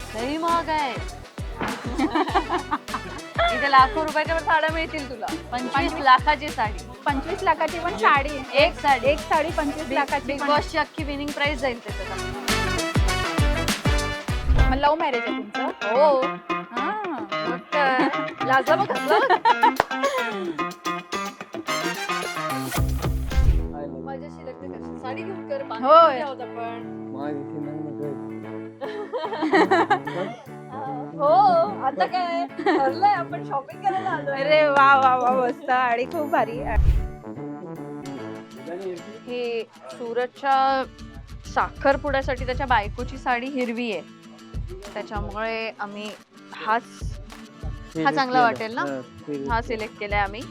लई महाग आहे. इथे लाखो रुपयाच्या वर साड्या मिळतील तुला. 25 लाखाची साडी. 25 लाखाची पण साडी. एक साडी 25 लाखाची. बिग बॉसची अख्खी विनिंग प्राइस जाईल त्याच्यात. लव्ह मॅरेज आहे तुमचं? हो. हा. लाजला बघ कसला. माझ्याशी लग्न करशील? साडी घेऊन कर. होय. आपण माझी हो आता काय ठरलंय, आपण शॉपिंग करायला आलो. अरे वा वा वा मस्त आणि खूप भारी. हे सूरजच्या साखरपुड्यासाठी त्याच्या बायकोची साडी हिरवी आहे, त्याच्यामुळे आम्ही हा चांगला वाटेल ना, हा सिलेक्ट केलाय आम्ही.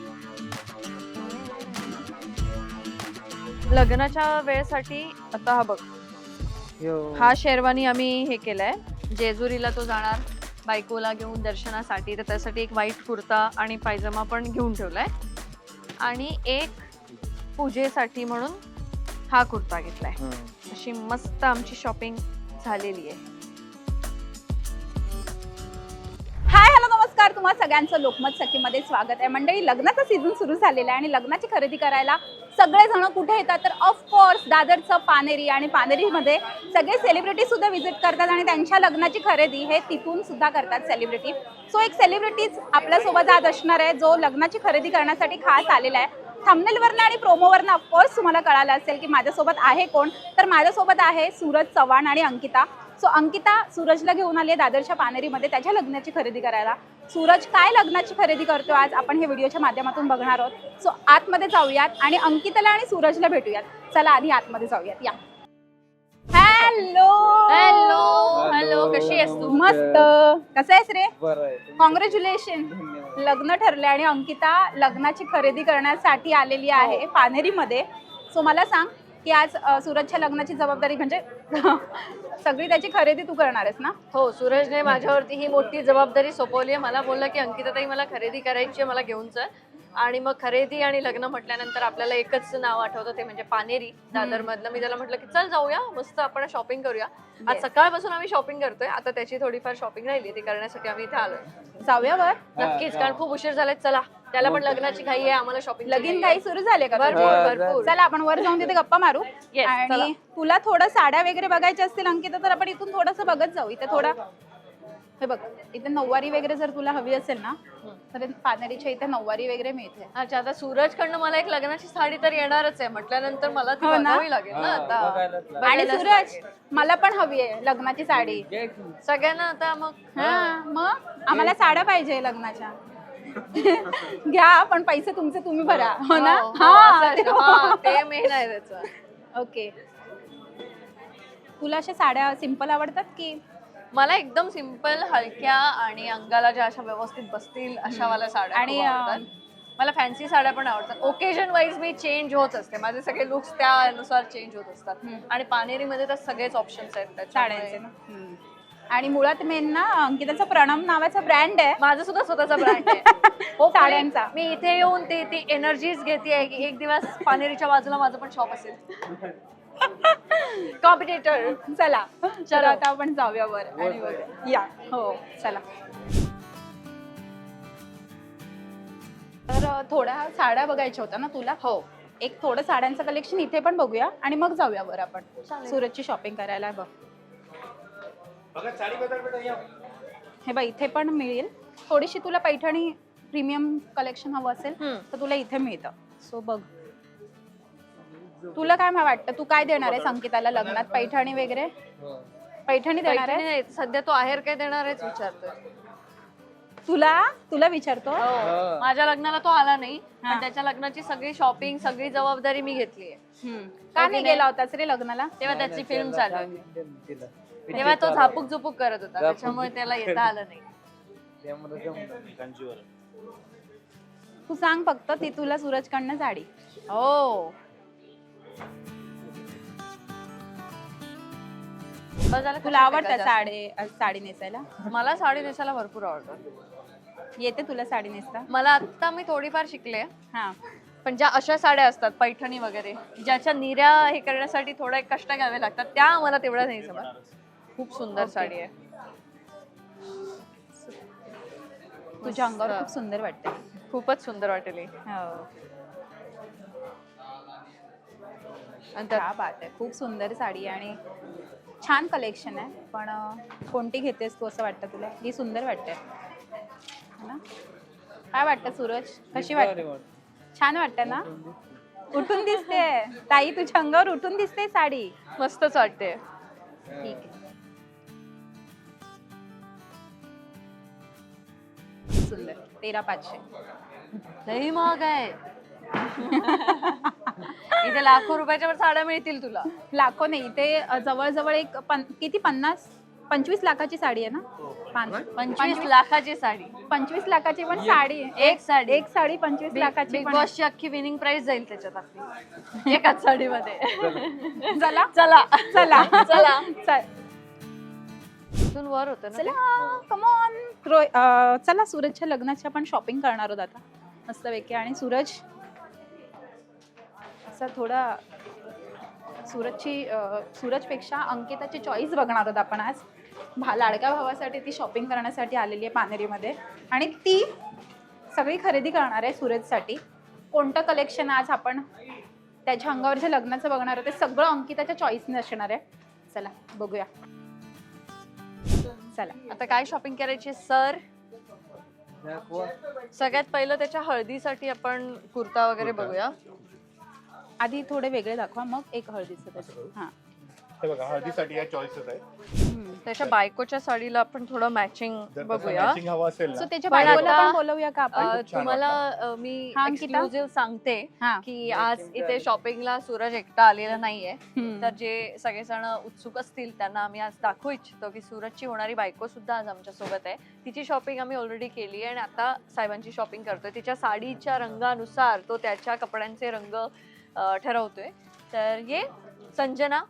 लग्नाच्या वेळेसाठी आता हा बघ, हा शेरवानी आम्ही हे केलाय. जेजुरीला तो जाणार बायकोला घेऊन दर्शनासाठी, तर त्यासाठी एक व्हाईट कुर्ता आणि पायजमा पण घेऊन ठेवलाय. आणि एक पूजेसाठी म्हणून हा कुर्ता घेतलाय. अशी मस्त आमची शॉपिंग झालेली आहे. हाय हॅलो नमस्कार, तुम्हा सगळ्यांचं लोकमत सखीमध्ये स्वागत आहे. मंडळी, लग्नाचा सीझन सुरू झालेला आहे आणि लग्नाची खरेदी करायला सगळेजण कुठे येतात तर ऑफकोर्स दादरचं पानेरी. आणि पानेरीमध्ये सगळे सेलिब्रिटी सुद्धा विजिट करतात आणि त्यांच्या लग्नाची खरेदी हे तिथून सुद्धा करतात सेलिब्रिटी. सो एक सेलिब्रिटीज आपल्यासोबत आज असणार आहे जो लग्नाची खरेदी करण्यासाठी खास आलेला आहे. थंबनेलवरनं आणि प्रोमोवरनं ऑफकोर्स तुम्हाला कळालं असेल की माझ्यासोबत आहे कोण. तर माझ्यासोबत आहे सूरज चव्हाण आणि अंकिता. सो अंकिता सूरजला घेऊन आली आहे दादरच्या पानेरीमध्ये त्याच्या लग्नाची खरेदी करायला. सूरज काय लग्नाची खरेदी करतो आज आपण हे व्हिडिओच्या माध्यमातून बघणार आहोत. सो आतमध्ये जाऊयात आणि अंकिताला आणि सूरजला भेटूयात. चला आधी आतमध्ये जाऊयात. या. हॅलो हॅलो हॅलो, कशी आहेस तू? मस्त. कसं आहेस रे? बरं. कॉंग्रॅच्युलेशन. लग्न ठरले आणि अंकिता लग्नाची खरेदी करण्यासाठी आलेली आहे पानेरीमध्ये. सो मला सांग की आज सूरजच्या लग्नाची जबाबदारी म्हणजे सगळी त्याची खरेदी तू करणार आहेस ना? हो, सूरजने माझ्यावरती ही मोठी जबाबदारी सोपवली आहे. मला बोलला की अंकिता ताई मला खरेदी करायची आहे, मला घेऊन चल. आणि मग खरेदी आणि लग्न म्हटल्यानंतर आपल्याला एकच नाव आठवतं, ते म्हणजे पानेरी दादर मधलं. मी त्याला म्हटलं की चल जाऊया, मस्त आपण शॉपिंग करूया. आज सकाळपासून आम्ही शॉपिंग करतोय. आता त्याची थोडीफार शॉपिंग राहिली, ती करण्यासाठी आम्ही इथे आलोय. जाऊया वर. नक्कीच, कारण खूप उशीर झालाय. चला, त्याला पण लग्नाची घाई आहे, आम्हाला शॉपिंग. लगीन काही सुरू झाले का? भरपूर. चला आपण वर जाऊन तिथे गप्पा मारू. Yes, चला. आणि तुला थोडं साड्या वगैरे बघायच्या असतील अंकिता तर आपण इथून थोडंसं बघत जाऊ. इथे थोडा हे बघ, इथे नऊवारी वगैरे जर तुला हवी असेल ना तर पानेरीच्या इथे नऊवारी वगैरे मिळते. अच्छा, आता सूरजकडनं मला एक लग्नाची साडी तर येणारच आहे म्हटल्यानंतर मला ती हो ना? बघावी लागेल ना आता. आणि सूरज मला पण हवी आहे लग्नाची साडी. सगळ्यांना आता मग हा मग आम्हाला साड्या पाहिजे लग्नाच्या. घ्या पण पैसे तुमचे तुम्ही भरा. हो ना? हा, ते मेन आहे त्याचं. ओके. तुला अशा साड्या सिंपल आवडतात की? मला एकदम सिंपल, हलक्या आणि अंगाला ज्या अशा व्यवस्थित बसतील अशा वाल्या साड्या आणि, खूप आवडतात. मला फॅन्सी साड्या पण आवडतात. ओकेजन वाईज मी चेंज होत असते, माझे सगळे लुक्स त्यानुसार चेंज होत असतात. आणि पानेरीमध्ये तर सगळेच ऑप्शन्स आहेत साड्यांचे त्याच्यामुळे. ना. आणि मुळात मेन ना अंकिताचा प्रणम नावाचा ब्रँड आहे. माझा सुद्धा स्वतःचा ब्रँड आहे हो, साड्यांचा. मी इथे येऊन ती एनर्जीज घेते आहे की एक दिवस पानेरीच्या बाजूला माझं पण शॉप असेल. कॉम्पिटिटर. चला चला आता आपण जाऊया वर आणि बघूया. या. हो चला. तर थोड्या साड्या बघायच्या होत्या ना तुला? हो. एक थोडं साड्यांचं कलेक्शन इथे पण बघूया आणि मग जाऊया वर आपण चालेल. सूरजची शॉपिंग करायला. बघ हे बघ, इथे पण मिळेल. थोडीशी तुला पैठणी प्रीमियम कलेक्शन हवं असेल तर तुला इथे मिळतं. सो बघ, तुला काय वाटतं, तू काय देणार आहे अंकिताला लग्नात? पैठणी वगैरे? पैठणी देणार आहे? नाही, सध्या तो आहेर काय देणार आहेच विचारतोय. तुला विचारतो. हो, माझ्या लग्नाला तो आला नाही, पण त्याच्या लग्नाची सगळी शॉपिंग सगळी जबाबदारी मी घेतली आहे. का नाही गेला होतास रे लग्नाला? तेव्हा त्याची फिल्म चालू होती, तेव्हा तो झापूक झुपूक करत होता, त्याच्यामुळे त्याला येता आलं नाही. तू सांग फक्त ती तुला सूरजकडनं साडी. हो, तुला आवडतं साडी नेसायला? मला साडी नेसायला भरपूर आवडतं. येते तुला साडी नेसता? मला आता मी थोडीफार शिकले. हा, पण ज्या अशा साड्या असतात पैठणी वगैरे, ज्याच्या निर्या हे करण्यासाठी थोडा एक कष्ट घ्यावे लागतात, त्या मला तेवढ्या नाही जमत. खूप सुंदर साडी आहे. तुझ्या अंगावर मस्त. खूप सुंदर वाटते. खूपच सुंदर वाटेल ही. हो. आणि क्या त्यात बात आहे, खूप सुंदर साडी आणि छान कलेक्शन आहे. पण कोणती घेतेस तू असं वाटतं तुला? ही सुंदर वाटते है ना? काय वाटतं सूरज, कशी वाटते? छान वाटते ना? उठून दिसते ताई, तुझ्या अंगावर उठून दिसते साडी. मस्तच वाटते. ठीक आहे. सुंदर. 13,500. लई महाग आहे. इथे लाखो रुपयाच्या वर साड्या मिळतील तुला. लाखो नाही, ते जवळजवळ एक किती 25 लाखाची साडी आहे ना? 25 लाखाची साडी. 25 लाखाची पण साडी आहे. एक साडी. एक साडी 25 लाखाची बिग पण आहे. बॉसची अख्खी विनिंग प्राइस जाईल त्याच्यात आपली एकाच साडीमध्ये. चला चला चला चला. चल. इथून वर होतं ना ते? चला कम ऑन. चला सूरजच्या लग्नाची आपण शॉपिंग करणार आहोत आता मस्तपैकी. आणि सूरज असा थोडा सूरजपेक्षा अंकिताची चॉईस बघणार आहोत आपण आज. लाडक्या भावासाठी ती शॉपिंग करण्यासाठी आलेली आहे पानेरीमध्ये आणि ती सगळी खरेदी करणार आहे सूरजसाठी. कोणतं कलेक्शन आज आपण त्याच्या अंगावर जे लग्नाचं बघणार आहोत ते सगळं अंकिताच्या चॉईसने असणार आहे. चला बघूया. चला आता काय शॉपिंग करायची सर? सगळ्यात पहिलं त्याच्या हळदीसाठी आपण कुर्ता वगैरे बघूया. आधी थोडे वेगळे दाखवा, मग एक हळदीचं त्याचं. हां. हे बघा हळदीसाठी या चॉईसेस आहेत. त्याच्या बायकोच्या साडीला आपण थोडं मॅचिंग जर बघूया. मॅचिंग हवं असेल सो ना त्याच्या पण बायकोला आता, पण बोलवूया का आपण? खूप छान तुम्हाला मी हा, अंकिता? एक्सक्लुझिव्ह सांगते हां. की आज इथे शॉपिंगला सूरज एकटा आलेला नाहीये. तर जे सगळेजण उत्सुक असतील त्यांना आम्ही आज दाखवू इच्छितो की सूरजची होणारी बायको सुद्धा आज आमच्या सोबत आहे. तिची शॉपिंग आम्ही ऑलरेडी केली आहे आणि आता साहेबांची शॉपिंग करतोय. तिच्या साडीच्या रंगानुसार तो त्याच्या कपड्यांचे रंग ठरवतोय. तर ये संजना.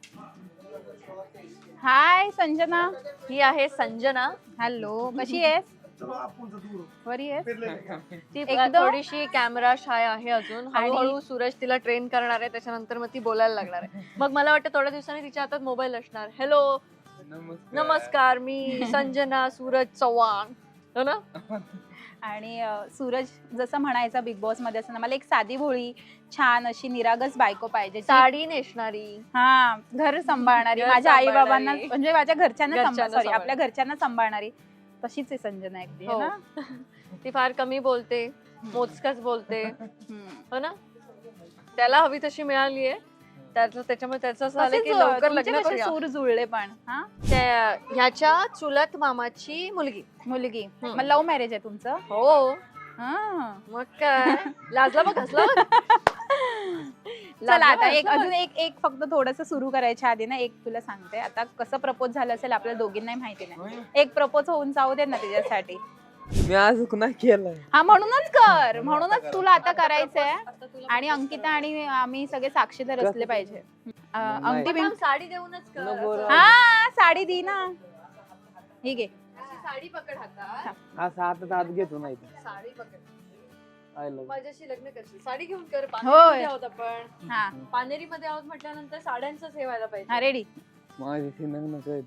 हाय संजना. ही आहे संजना. हॅलो, कशी आहेस? बरी आहेस? ती एकदम- थोडीशी कॅमेरा शाय आहे अजून. आणि- हळूहळू सूरज तिला ट्रेन करणार आहे. त्याच्यानंतर मग ती बोलायला लागणार आहे. मग मला वाटतं थोड्या दिवसांनी तिच्या हातात मोबाईल असणार. हॅलो नमस्कार, मी संजना सूरज चव्हाण, हो ना? आणि सूरज जसं म्हणायचा बिग बॉस मध्ये असं, मला एक साधी भोळी छान अशी निरागस बायको पाहिजे, साडी नेसणारी, हा घर सांभाळणारी, घर माझ्या आई बाबांना सांभाळणारी. म्हणजे माझ्या घरच्यांना घरच्यांना सॉरी आपल्या घरच्यांना सांभाळणारी. तशीच आहे संजना अगदी, है हो. ना? ती फार कमी बोलते, मोजकच बोलते, हम्म. हो ना? त्याला हवी तशी मिळाली आहे. त्याच्यामुळे त्याचं असं झालं तसेच की लवकर तुमचे लग्न कसे करूया. सूर जुळले पण. हा, ह्याच्या चुलत मामाची मुलगी. मुलगी. हम्म. मग लव्ह मॅरेज आहे तुमचं? हो, हा. मग काय लाजला बघ, हसला बघ. चला आता लाजला, एक हसला बघ. अजून एक फक्त थोडस सुरू करायच्या आधी ना एक तुला सांगते. आता कसं प्रपोज झालं असेल आपल्याला दोघींनाही माहिती नाही. एक प्रपोज होऊन जाऊ दे ना तिच्यासाठी. मी आज नाही केलं. हा म्हणूनच कर, म्हणूनच तुला आता करायचंय. आणि अंकिता आणि आम्ही सगळे साक्षीदार असले पाहिजे. अंगठी थांब, साडी देऊनच कर. नको रे. हा साडी दी ना. ही घे. अशी साडी पकड हातात. असं हातात हात घेतो नाही तर. साडी पकड. I love you. माझ्याशी लग्न करशील, साडी घेऊन कर. होय. पानेरीमध्ये आहोत आपण. हा पानेरीमध्ये आहोत म्हटल्यानंतर साड्यांचंच हे व्हायला हा पाहिजे. रेडी. माझी ती लग्न कळत.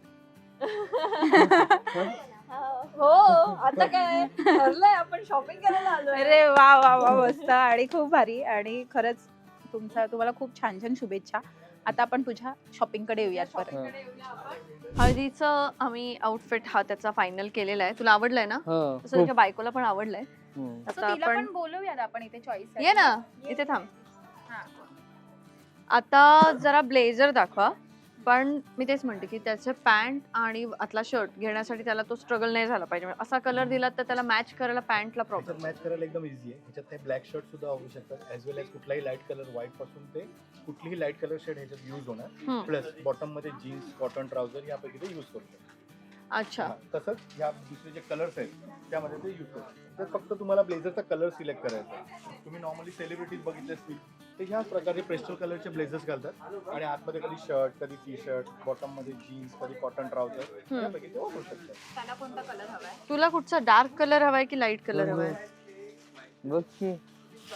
हो, आता काय ठरलंय, आपण शॉपिंग करायला आलोय. अरे वा वा वा, मस्त आणि खूप भारी. आणि खरंच तुम्हाला खूप छान छान शुभेच्छा. आता आपण तुझ्या शॉपिंग कडे येऊयात परत. हळदीचं आम्ही आउटफिट हा त्याचा फायनल केलेला आहे. तुला आवडलाय ना? हो, तसं त्याच्या बायकोला पण आवडलंय. हम्म. So आता तिला आपण पण बोलवूयात आपण इथे चॉईस. ये ना इथे थांब. हा. आता जरा ब्लेझर दाखवा. पण मी तेच म्हणते की त्याचे पॅन्ट आणि आतला शर्ट घेण्यासाठी त्याला तो स्ट्रगल नाही झाला पाहिजे. असा कलर दिला तर त्याला मॅच करायला पॅन्टला प्रॉब्लेम. ह्याच्यात मॅच करायला एकदम इझी आहे. ह्याच्यात ते ब्लॅक शर्ट सुद्धा वापरू शकतात, ऍज वेल एज कुठलाही लाईट कलर, व्हाईट पासून ते कुठलीही लाईट कलर शेड ह्याच्यात युज होणार. प्लस बॉटम मध्ये जीन्स, कॉटन ट्राउझर यापैकी ते युज करू शकतात. अच्छा, तसंच ह्या दुसरे जे कलर्स आहेत त्यामध्ये ते युज करू शकतात. तर फक्त तुम्हाला ब्लेझरचा कलर सिलेक्ट करायचा आहे. तुम्ही नॉर्मली सेलिब्रिटीज बघितले असतील ते ह्या प्रकारे पेस्टल कलरचे ब्लेझर्स घालतात आणि आतमध्ये कधी शर्ट, कधी टी शर्ट, बॉटम मध्ये जीन्स, कधी कॉटन ट्राउझर यापैकी ते वापरू शकतात. त्याला कोणता कलर हवाय? तुला कुठचा डार्क कलर हवाय की लाईट कलर हवाय? बघ की.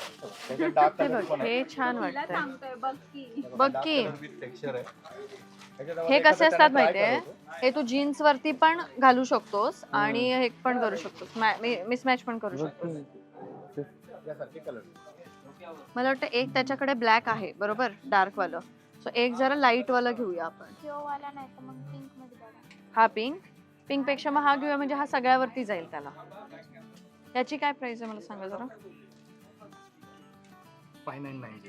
त्याच्यात डार्क हे कलर बघ, पण आहे. हे छान तिला वाटतंय. सांगतोय बघ की. बघ की. विथ टेक्स्चर आहे. हे कसे असतात माहितीये, हे तू जीन्स वरती पण घालू शकतोस आणि हे पण करू शकतोस, मिसमॅच पण करू बघ शकतोस. की. यासारखे कलर. मला वाटतं एक त्याच्याकडे ब्लॅक आहे बरोबर, डार्क वालं. सो एक जरा लाईट वाला घेऊया आपण. वाला नाही तर मग पिंक मध्ये बघा. हा पिंक पेक्षा मग हा घेऊया, म्हणजे हा सगळ्यावरती जाईल त्याला. याची काय प्राइस आहे मला सांगा जरा. 599.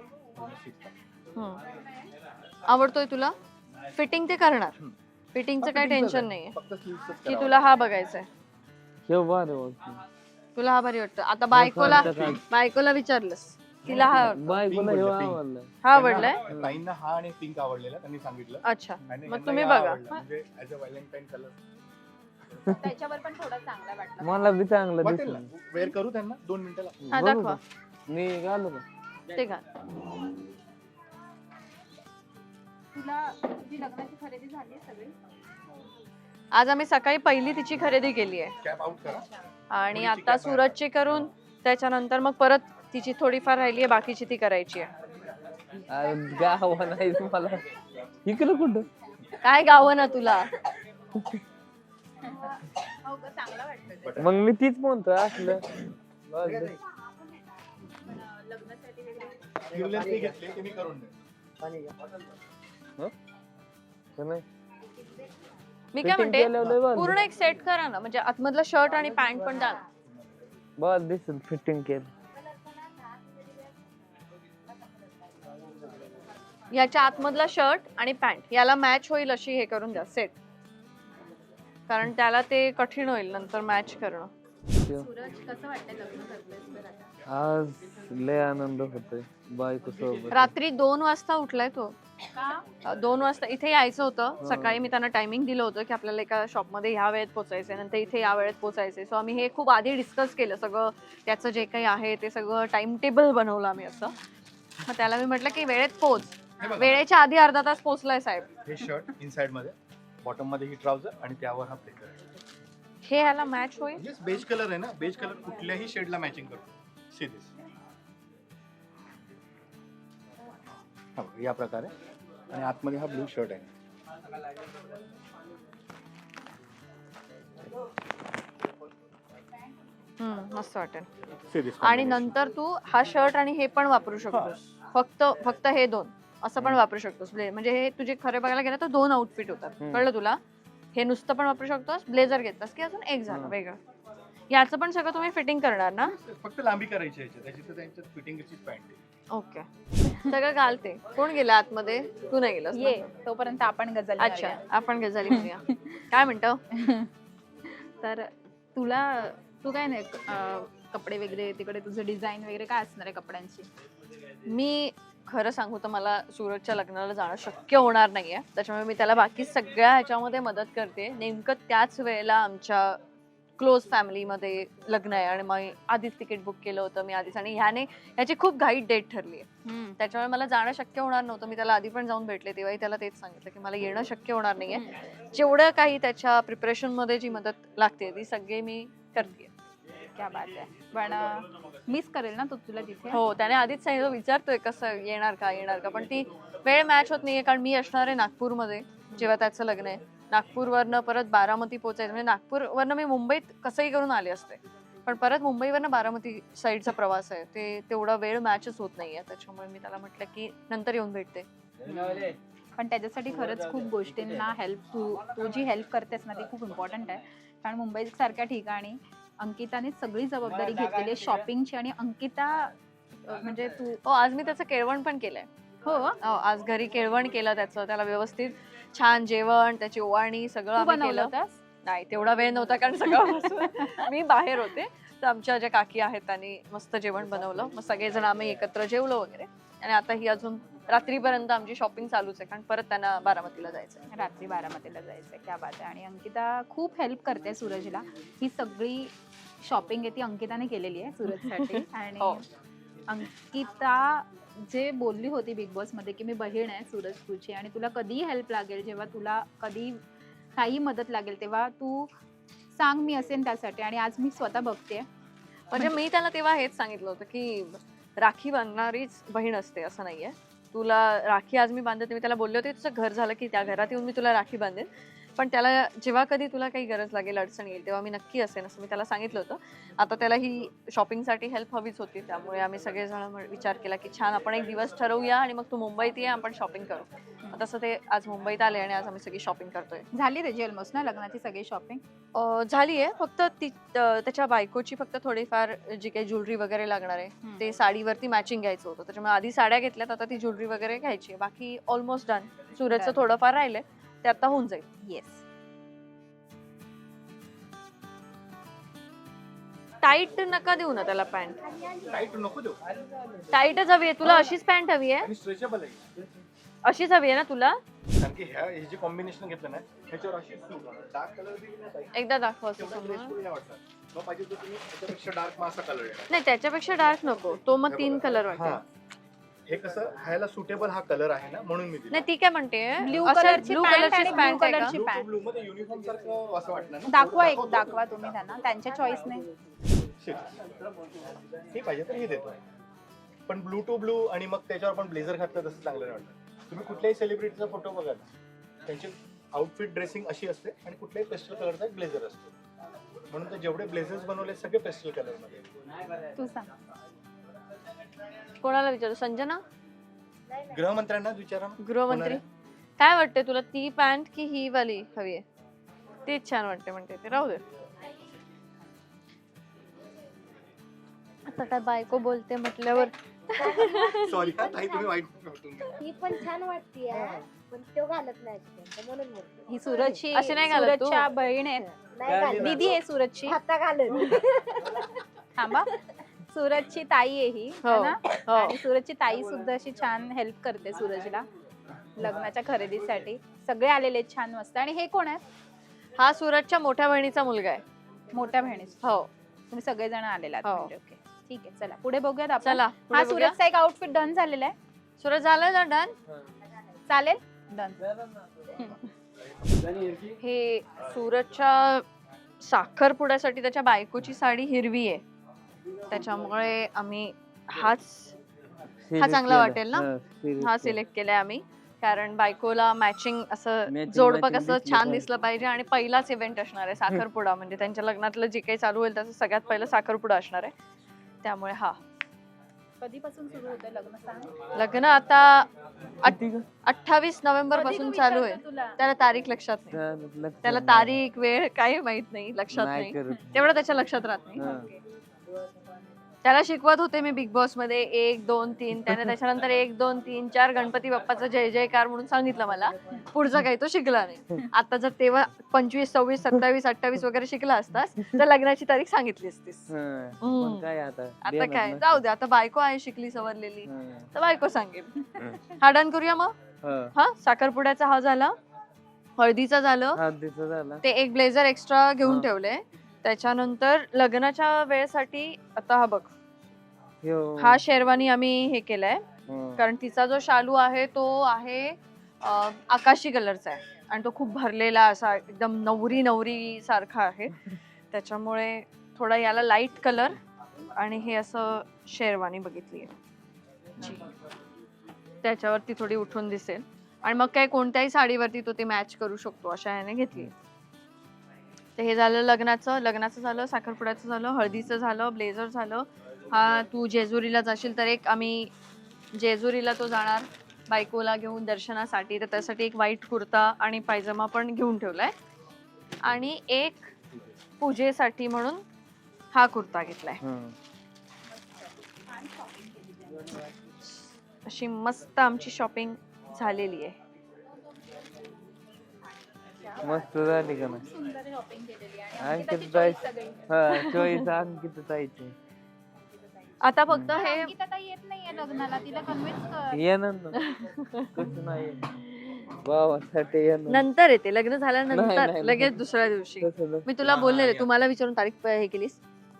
आवडतोय तुला? फिटिंग ते करणार, फिटिंगचं काय टेन्शन नाहीये. फक्त स्लीव्हच की तुला हा बघायचा आहे, हे बरं वाटतं. तुला हा भारी वाटतं. आता बायकोला विचारलंस, तिला हा बायकोला हे आवडलं. हा आवडलाय. ताईंना हा आणि पिंक आवडलेला त्यांनी सांगितलं. अच्छा, आणि मग यांना तुम्ही हा बघा. आवडला, म्हणजे ऍज अ व्हॅलेंटाईन कलर त्याच्यावर पण थोडा चांगला वाटला. मला बी चांगलं वाटेल ना. दिसलं. वेअर करू त्यांना 2 मिनिटाला. हा बघू दाखवा, का? मी घालू का? ते घाल. तुला तुझी लग्नाची खरेदी झाली सगळी? आज आम्ही सकाळी पहिली तिची खरेदी केली आहे कॅप आउट करा. आणि आता सूरजची करून त्याच्यानंतर मग परत तिची थोडीफार राहिली आहे, बाकीची ती करायची आहे. अरे गावा नाही मला. इकडं कुठं? काय गावं ना तुला. हो का, चांगला वाटतं. मग मी तीच म्हणतो असलं. बस. लग्नासाठी वगैरे Sleeveless ते घेतले ते मी करून दे. का नाही? मी काय Fitting म्हणते, केल्यावर लय भारी. पूर्ण एक सेट करा ना, म्हणजे आतमधला शर्ट आणि पॅन्ट पण द्या ना. बस दिसेल फिटिंग केलं. याच्या आतमधला शर्ट आणि पॅन्ट याला मॅच होईल अशी हे करून द्या सेट, कारण त्याला ते कठीण होईल नंतर मॅच करणं. सूरज कसं वाटतंय लग्न करतोयस तर आता? आज लय आनंद होतोय बायको सोबत. रात्री 2 वाजता उठलाय तो. का? 2 वाजता इथे यायचं होतं. सकाळी मी त्यांना टायमिंग दिलं होतं की आपल्याला एका शॉपमध्ये ह्या वेळेत पोचायचंय, नंतर इथे या वेळेत पोचायचंय. सो आम्ही हे खूप आधी डिस्कस केलं सगळं, त्याचं जे काही आहे ते सगळं टाइम टेबल बनवलं आम्ही असं. मग त्याला मी म्हटलं की वेळेत पोच. हे बघा. वेळेच्या आधी अर्धा तास पोचलाय साहेब. हे शर्ट इनसाइड मध्ये, बॉटम मध्ये ही ट्राउझर आणि त्यावर हा ब्लेझर. हे ह्याला मॅच होईल. म्हणजे बेज कलर आहे ना, बेज कलर कुठल्याही शेडला मॅचिंग करतो. See this. या प्रकारे, आणि आतमध्ये हा ब्लू शर्ट आहे. मस्त वाटेल. See this आणि combination. नंतर तू हा शर्ट आणि हे पण वापरू शकतोस. फक्त हे 2 असं पण वापरू शकतोस. म्हणजे हे तुझे खरे बघायला गेलं तर 2 आउटफिट होतात. कळलं तुला? हे नुसतं पण वापरू शकतोस, ब्लेझर घेतलास की अजून एक झालं वेगळं. याचं पण सगळं तुम्ही फिटिंग करणार ना? फक्त लांबी करायची आहे त्याची, तर त्यांच्यात फिटिंगची पॅन्ट आहे. ओके, सगळं घालते. कोण गेला आतमध्ये? तू नाही गेलास ना? ये तोपर्यंत आपण गजल अच्छा, आपण गजाली म्हणूया. काय म्हणतो? तर तू काय नाही कपडे वगैरे तिकडे तुझं डिझाईन वगैरे काय असणार आहे कपड्यांची? मी खरं सांगू तर मला सूरजच्या लग्नाला जाणं शक्य होणार नाहीये, त्याच्यामुळे मी त्याला बाकी सगळ्या ह्याच्यामध्ये मदत करते. नेमकं त्याच वेळेला आमच्या क्लोज फॅमिलीमध्ये लग्न आहे आणि मग आधीच तिकीट बुक केलं होतं मी आधीच, आणि ह्याची खूप घाईट डेट ठरली आहे. त्याच्यामुळे मला जाणं शक्य होणार नव्हतं. मी त्याला आधी पण जाऊन भेटले, तेव्हाही त्याला तेच सांगितलं की मला येणं शक्य होणार नाहीये. जेवढं काही त्याच्या प्रिपरेशन मध्ये जी मदत लागते ती सगळी मी करते. क्या बात आहे. पण मिस करेल ना तो तुला तिथे? हो, त्याने आधीच सांगितलं, विचारतोय कसं येणार का, पण ती वेळ मॅच होत नाहीये, कारण मी असणार आहे नागपूरमध्ये जेव्हा त्याचं लग्न आहे. नागपूरवरनं परत बारामती पोहोचायचं, म्हणजे नागपूरवरनं मी मुंबईत कसंही करून आले असते, पण परत मुंबईवरनं बारामती साईडचा प्रवास आहे, ते तेवढा वेळ मॅचच होत नाहीये. त्याच्यामुळे मी त्याला म्हटलं की नंतर येऊन भेटते. पण त्याच्यासाठी खरंच खूप गोष्टींना तू जी हेल्प करतेस ना ती खूप इम्पॉर्टंट आहे. कारण मुंबई सारख्या ठिकाणी अंकिताने सगळी जबाबदारी घेतलेली आहे शॉपिंगची, आणि अंकिता म्हणजे तू आज मी त्याचं केळवण पण केलंय. हो आज घरी केळवण केलं त्याचं, त्याला व्यवस्थित छान जेवण, त्याची ओवाळणी सगळं आम्ही बनवलं केलं. होतंस? नाही, तेवढा वेळ नव्हता, कारण सगळं मी बाहेर होते. तर आमच्या ज्या काकी आहेत त्यांनी मस्त जेवण बनवलं. मग सगळेजण आम्ही एकत्र जेवलो वगैरे. आणि आता ही अजून रात्रीपर्यंत आमची शॉपिंग चालूच आहे, कारण परत त्यांना बारामतीला जायचंय. रात्री बारामतीला जायचंय. क्या बात आहे. आणि अंकिता खूप हेल्प करते सूरजला. ही सगळी शॉपिंग आहे ती अंकिताने केलेली आहे सूरजसाठी. आणि हो. अंकिता जे बोलली होती बिग बॉस मध्ये की मी बहीण आहे सूरज तुझी, आणि तुला कधीही हेल्प लागेल, जेव्हा तुला कधी काही मदत लागेल तेव्हा तू सांग, मी असेन त्यासाठी. आणि आज मी स्वतः बघते. म्हणजे मी त्याला तेव्हा हेच सांगितलं होतं की राखी बांधणारीच बहीण असते असं नाहीये. तुला राखी आज मी बांधते, मी त्याला बोलले होते तुझं घर झालं की त्या घरात येऊन मी तुला राखी बांधेन, पण त्याला जेव्हा कधी तुला काही गरज लागेल, अडचण येईल तेव्हा मी नक्की असेन असं मी त्याला सांगितलं होतं. आता त्याला ही शॉपिंगसाठी हेल्प हवीच होती, त्यामुळे आम्ही सगळेजण विचार केला की छान आपण एक दिवस ठरवूया आणि मग तू मुंबईत ये, आपण शॉपिंग करू. तसं ते आज मुंबईत आले आणि आज आम्ही सगळी शॉपिंग करतोय. झाली त्याची ऑलमोस्ट ना लग्नाची सगळी शॉपिंग? झाली आहे, फक्त त्याच्या बायकोची फक्त थोडीफार जी काही ज्वेलरी वगैरे लागणार आहे ते साडीवरती मॅचिंग घ्यायचं होतं, त्याच्यामुळे आधी साड्या घेतल्यात, आता ती ज्वेलरी वगैरे घ्यायची आहे. बाकी ऑलमोस्ट डन. सूरजचं Done. थोडंफार राहिलंय, ते आता होऊन जाईल. येस. टाईट नका देऊ ना त्याला पॅन्ट, टाईट नको देऊ टाईटच हवी आहे तुला. अशीच पॅन्ट हवी आहे, आणि स्ट्रेचेबल आहे, अशीच हवी आहे ना तुला? कारण की हे जे कॉम्बिनेशन घेतलं ना ह्याच्यावर अशी डार्क कलर एकदा दाखव असं समोर. नाही वाटत. मग पाहिजे तर तुम्ही त्याच्यापेक्षा डार्क असा कलर आहे. नाही त्याच्यापेक्षा डार्क नको, तो मग 3 कलर हा वाटतो. हे कसं ह्याला सुटेबल हा कलर आहे ना, म्हणून मी दिलं. नाही ती काय म्हणते, ब्ल्यू असं कलरची ब्लू पॅन्ट कलरची आणि ब्लू पॅन्ट आहे का? कलरची पॅन्ट. ब्लू मध्ये युनिफॉर्म सारखं असं वाटलं ना. दाखवा एक, दाखवतो. दाखवा तुम्ही त्यांना, त्यांच्या चॉईसने. शिट. हे पाहिजे तर हे देतो, पण ब्लू टू ब्लू आणि मग त्याच्यावर पण ब्लेझर घातलं तसं चांगलं नाही वाटतं. तुम्ही कुठल्याही सेलिब्रिटीचा फोटो बघा ना, त्यांची आउटफिट ड्रेसिंग अशी असते आणि कुठल्याही पेस्टल कलरचा एक ब्लेझर असतो, म्हणून ते जेवढे ब्लेझर्स बनवले सगळे पेस्टल कलर मध्ये. तू सांग. कोणाला विचारू? संजना, गृहमंत्र्यांना विचारा ना. गृहमंत्री. काय वाटते तुला, ती पॅन्ट की ही वाली हवी आहे? तीच छान वाटते म्हणते, ते राहू दे. आता काय बायको बोलते म्हटल्यावर. सॉरी ताई, तुम्ही वाईट वाटून घ्या. ती पण छान वाटते पण तो घालत नाही अजिबात, म्हणून बोलते. ही सूरजची, अशी नाही घालत तू. सूरजच्या बहीण आहे, नाही घालत. दीदी आहे सूरजची. आता घालत. थांबा, सूरजची ताई आहे ही, हो, है ना? हो. आणि सूरजची ताई सुद्धा अशी छान हेल्प करते सूरजला लग्नाच्या खरेदीसाठी. सगळे आलेले आहेत छान मस्त. आणि हे कोण आहेत? हा सूरजच्या मोठ्या बहिणीचा मुलगा आहे. मोठ्या बहिणीचे. हो तुम्ही सगळेजण आलेले आहात हो. म्हणजे. ओके ठीक आहे, चला पुढे बघूयात आपण. चला पुढे हा बघूया. सूरजचा एक आउटफिट डन झालेला आहे. सूरज झालं ना डन? चालेल, डन. हे सूरजच्या साखरपुड्यासाठी त्याच्या बायकोची साडी हिरवी आहे, त्याच्यामुळे आम्ही हा चांगला वाटेल ना, हा सिलेक्ट केलाय आम्ही. कारण बायकोला मॅचिंग असं Matching जोडपं matching कसं दिसलं छान पाहिजे. दिसलं पाहिजे. आणि पहिलाच इव्हेंट असणार आहे साखरपुडा, म्हणजे त्यांच्या लग्नातलं जे काही चालू होईल त्याचं सगळ्यात पहिलं साखरपुडा असणार आहे, त्यामुळे हा. कधीपासून सुरू होतं लग्न सांग? लग्न आता 28 नोव्हेंबर पासून चालू आहे. त्याला तारीख लक्षात नाही, त्याला तारीख वेळ काही माहित नाही, लक्षात नाही, तेवढं त्याच्या लक्षात राहत नाही. त्याला शिकवत होते मी बिग बॉस मध्ये 1 2 3, त्याने त्याच्यानंतर 1 2 3 4 गणपती बाप्पाचा जय जयकार म्हणून सांगितलं मला. पुढचं काही तो शिकला नाही. आता जर तेव्हा 25 26 27 28 वगैरे शिकला असतास तर लग्नाची तारीख सांगितली असतीस. काय आता आता काय, जाऊ दे, आता बायको आहे शिकली सवरलेली, तर बायको सांगेल. हा डन करूया मग. हा साखरपुड्याचा हा झाला, हळदीचा झालं, ते एक ब्लेझर एक्स्ट्रा घेऊन ठेवले. त्याच्यानंतर लग्नाच्या वेळेसाठी आता हा बघ, हा शेरवानी आम्ही हे केलाय, कारण तिचा जो शालू आहे तो आहे आकाशी कलरचा आहे आणि तो खूप भरलेला असा एकदम नवरी नवरी सारखा आहे, त्याच्यामुळे थोडा याला लाईट कलर आणि हे असं शेरवानी बघितली आहे, त्याच्यावरती थोडी उठून दिसेल आणि मग काय कोणत्याही साडीवरती तो ते मॅच करू शकतो अशा याने घेतली. तर हे झालं लग्नाचं झालं, साखरपुड्याचं झालं, हळदीचं झालं, ब्लेझर झालं. हा तू जेजुरीला जाशील तर एक आम्ही जेजुरीला तो जाणार बायकोला घेऊन दर्शनासाठी, तर त्यासाठी एक व्हाईट कुर्ता आणि पायजमा पण घेऊन ठेवलाय आणि एक पूजेसाठी म्हणून हा कुर्ता घेतलाय. अशी मस्त आमची शॉपिंग झालेली आहे. मस्त झाली का नाही? सुंदर शॉपिंग केलेली आहे. आणि अंकिताची किती choice जायचं? सगळी. हा चॉईस अंकित जायचे. आता फक्त हे अंकिता ताई येत नाहीये लग्नाला, तिला कन्व्हिन्स कर. येणार ना, कसं नाही भावासाठी येणार. नंतर येते, लग्न नाही, झाल्यानंतर नाही. लगेच दुसऱ्या दिवशी. कसं नाही. मी तुला बोललेले, तुम्हाला विचारून तारीख हे केलीस?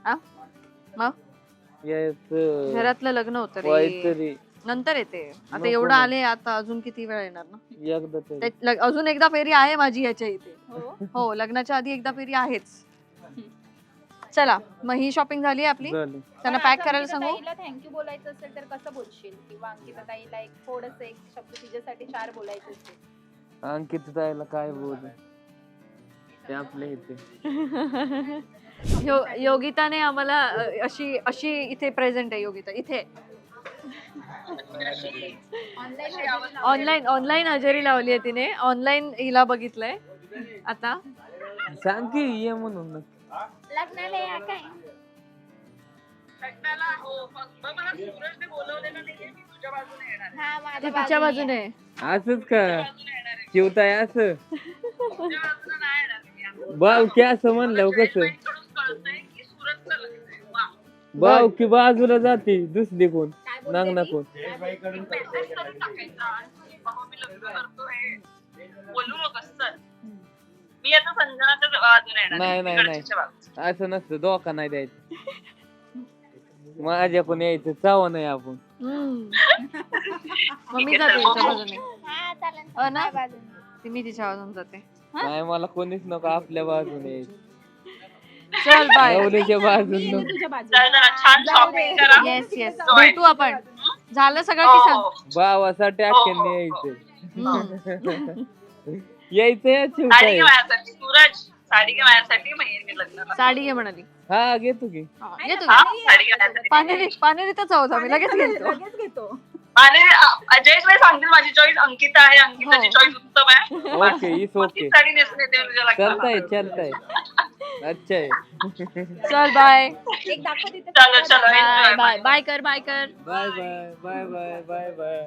यायचं घरातलं लग्न होतं रे, काहीतरी नंतर येते. आता नको एवढं ना. आले, आता अजून किती वेळ येणार ना. एकदा तरी. अजून एकदा फेरी आहे माझी याच्या इथे. हो, लग्नाच्या आधी एकदा फेरी आहेच. चला मग ही शॉपिंग झाली आपली. झाली. त्यांना पण पॅक आज करायला सांगू. अंकिता ताईला थँक्यू बोलायचं असेल तर कसं बोलशील, किंवा अंकिता ताईला एक थोडंसं एक शब्द तिच्यासाठी 4 बोलायचं असेल. अंकित ताईला काय बोलू ते आपले इथे. योगिताने आम्हाला अशी अशी इथे प्रेझेंट आहे. योगिता इथे ऑनलाईन हजेरी लावली आहे तिने. ऑनलाईन हिला बघितलंय आता. सांग की ये म्हणून. लग्नाला या काय हा ते माझ्या तिच्या बाजूने आहे. असंच का चिवताय असं बाव की असं म्हणलं कसं बाव की बाजूला जाते दुसरी कोण नांगना कोण. मी आता संजनाच्या बाजूने येणार नाही आहे, नाही नाही इकडच्या बाजूने. असं नसतं धोका नाही द्यायचं. माझ्या पण यायचं चाव नाही आपण. मग मी जाते तिच्या बाजूने. हा चालेल हो ना? माझ्या बाजूने. ती मी तिच्या बाजूने जाते. नाही मला कोणीच नको आपल्या बाजूने यायचं. चल बाय. नवरीच्या मी बाजूने येते नको. तुझ्या बाजूला. चल जरा छान जाऊ दे. शॉपिंग करा. येस येस जाऊ. भेटू आपण. झालं सगळं हो, की सांग. हो. भावासाठी अख्ख्याने यायचं. हम्म. यायचं या साडी चिवताय. घे माझ्यासाठी सूरज, साडी घे माझ्यासाठी, मग येईन मी लग्नाला. साडी घे म्हणाली. हा घेतो की. येतो हा, का? साडी घे माझ्यासाठी. पानेरीतच आहोत आम्ही. लगेच गेलो. लगेच घेतो. आणि जयेश भाई सांगतील माझी चॉईस अंकिता आहे, अंकिताची हो. चॉईस उत्तम आहे. ओके इस मग ओके. तीच साडी नेसून येते मी तुझ्या चलताय लग्नाला. चलताय. अच्छा आहे. चल बाय. एक दाखव तिथे. चलो चलो बाय enjoy. बाय बाय कर बाय कर. Bye bye bye bye bye bye.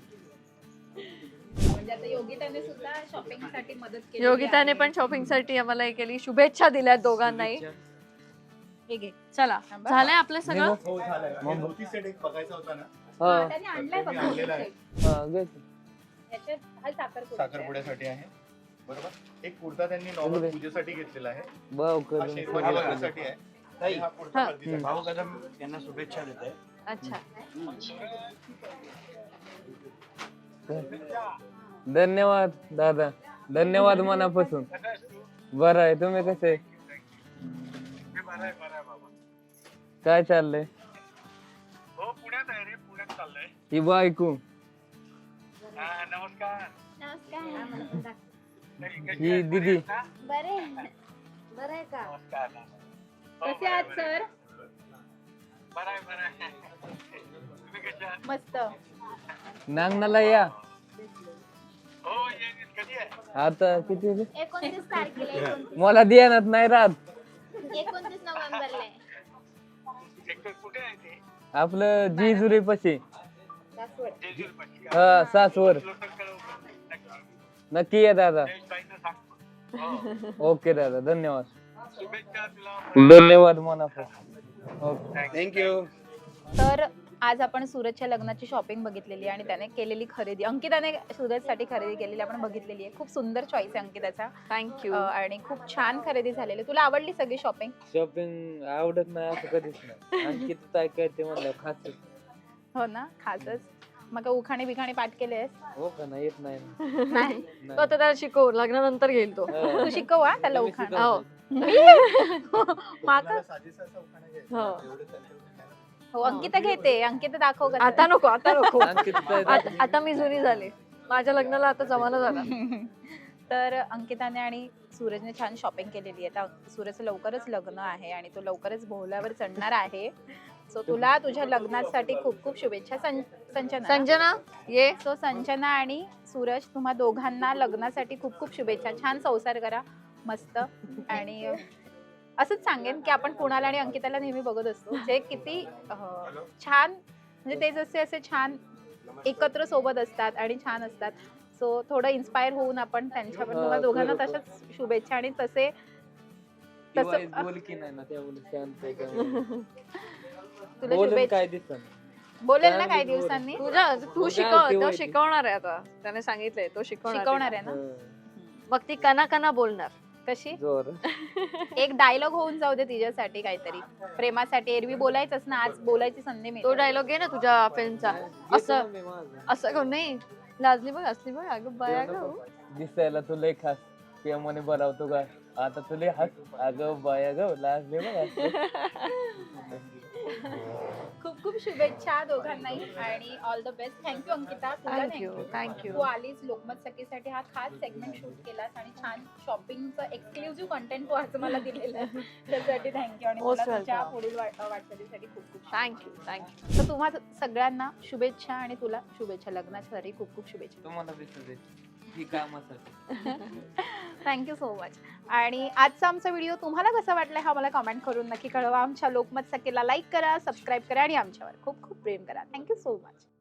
म्हणजे आता योगिताने सुद्धा शॉपिंग साठी मदत केली. योगिताने पण शॉपिंग साठी आम्हाला हे केली. शुभेच्छा दिल्या दोघांनाही. हे घे. चला थांबा. झालंय आपलं सगळं. हो झालंय. हे धोती सेट एक बघायचा होता ना, हा त्याने आणलाय बघ. मी आणलेला आहे. हा घेतो. याच्यात हा साखरपुडा आहे. साखरपुड्यासाठी आहे. बरोबर. एक कुर्ता त्यांनी नॉर्मल बरोबर. पूजेसाठी घेतलेला आहे. भाऊ हा करून शेरवानी लग्नासाठी आहे. आणि हा कुर्ता हा. हळदीसाठी. भाऊ कदम यांना शुभेच्छा देत आहे. अच्छा. धन्यवाद दादा. धन्यवाद मनापासून. बरं आहे तुम्ही कसे काय चाललंय. हो पुण्यात आहे रे, पुण्यात चाललंय. ही बायको नमस्कार. नमस्कार ही दीदी बरे बरं आहे का नमस्कार. कसे आहात सर? बरं आहे बरं आहे. तुम्ही कसे आहात? मस्त. नांगणाला या. हो येईन. कधी आहे? आता किती 29 तारखेला 29 मला ध्यानात नाही राहत. 29 नोव्हेंबरला आहे. सेक्टर कुठे आहे ते? आपलं जेजुरी पशी. जेजूरपाशी. हा सासवर. नक्की. नक्की या दादा. जयेशबाईंना सांगतो. हो. ओके दादा धन्यवाद. शुभेच्छा तुला. धन्यवाद मनापासून. Okay thank you. तर आज आपण सूरजच्या लग्नाची शॉपिंग बघितलेली आहे आणि त्याने केलेली खरेदी, अंकिताने सूरजसाठी खरेदी केलेली आपण बघितलेली आहे. खूप सुंदर चॉईस आहे अंकिताचा. थँक्यू. आणि खूप छान खरेदी झालेली. तुला आवडली सगळी शॉपिंग? शॉपिंग आवडत नाही असं कधीच नाही. आणखी काय काय ते म्हणलं खास. हो ना, खासच. मग काय उखाणे बिखाणे पाठ केलेस? हो का नाही येत नाही ना. नाही. तो आता त्याला शिकव. लग्नानंतर घेईल तो. हा. तू शिकव हा त्याला तुम्ही उखाण. शिकवता. हो. माका तुम्हाला साजेसा असा उखाणा घ्यायचा. हो. एवढं त्यांच्याकडे काय नाही. हो अंकिता घेते. अंकिता दाखव कसं. आता नको आता नको. आणखी काय आता मी जुनी झाले. माझ्या लग्नाला आता जमाना झाला. तर अंकिताने आणि सूरजने छान शॉपिंग केलेली आहे. आता सूरजचं लवकरच लग्न आहे आणि तो लवकरच भोवल्यावर चढणार आहे. सो तुला तुझ्या लग्नासाठी खूप खूप शुभेच्छा. संजना. संजना ये. सो संजना आणि सूरज तुम्हा दोघांना लग्नासाठी खूप खूप शुभेच्छा. छान संसार करा मस्त. आणि असंच सांगेन की आपण कुणाला आणि अंकिताला नेहमी बघत असतो जे किती छान, म्हणजे ते जसे असे छान एकत्र सोबत असतात आणि छान असतात. सो थोडं इन्स्पायर होऊन आपण त्यांच्या पण तुम्हाला दोघांना तशाच शुभेच्छा. आणि तसे तसं बोल की नाही ना त्या बोल शांत आहे त्यामुळे. तुला बोलून शुभेच्छा काय दिसत. बोलेल ना काही दिवसांनी. तू शिकव. तो शिकवणार आहे आता. त्याने सांगितलंय तो शिकवणार आहे ना. मग ती कना कना बोलणार. कशी जोर. एक डायलॉग होऊन जाऊ दे तिच्यासाठी काहीतरी. प्रेमासाठी एरवी बोलायचंच ना, आज बोलायची संधी तो मिळते. डायलॉग आहे ना तुझ्या फिल्मचा. असं असं कोण नाही. लाजली बघ असली बघ. अगं बाया गं. दिसायला तू लय खास प्रेमाने बोलावतो का आता तुले हस अगं बाय ग लाजले बघ खूप खूप शुभेच्छा दोघांनाही आणि all the best. Thank you Ankita, तुला थँक्यू थँक्यू. थँक्यू तू आलीस लोकमत सखीसाठी, हा खास सेगमेंट शूट केलास आणि छान शॉपिंगचं एक्सक्लुझिव्ह कंटेंट तू आज मला दिलेलं आहे. त्यासाठी थँक्यू आणि Most तुला तुझ्या welcome. पुढील वाटचालीसाठी खूप खूप थँक्यू थँक्यू. तर तुम्हा सगळ्यांना शुभेच्छा आणि तुला शुभेच्छा लग्नासाठी खूप खूप शुभेच्छा. तुम्हाला विचारायचं ही कामासाठी. Thank you so much. आणि आजचा आमचा व्हिडिओ तुम्हाला कसा वाटला हा मला कमेंट करून नक्की कळवा. आमच्या लोकमत सखीला लाईक करा, सबस्क्राईब करा आणि आमच्यावर खूप खूप प्रेम करा. Thank you so much.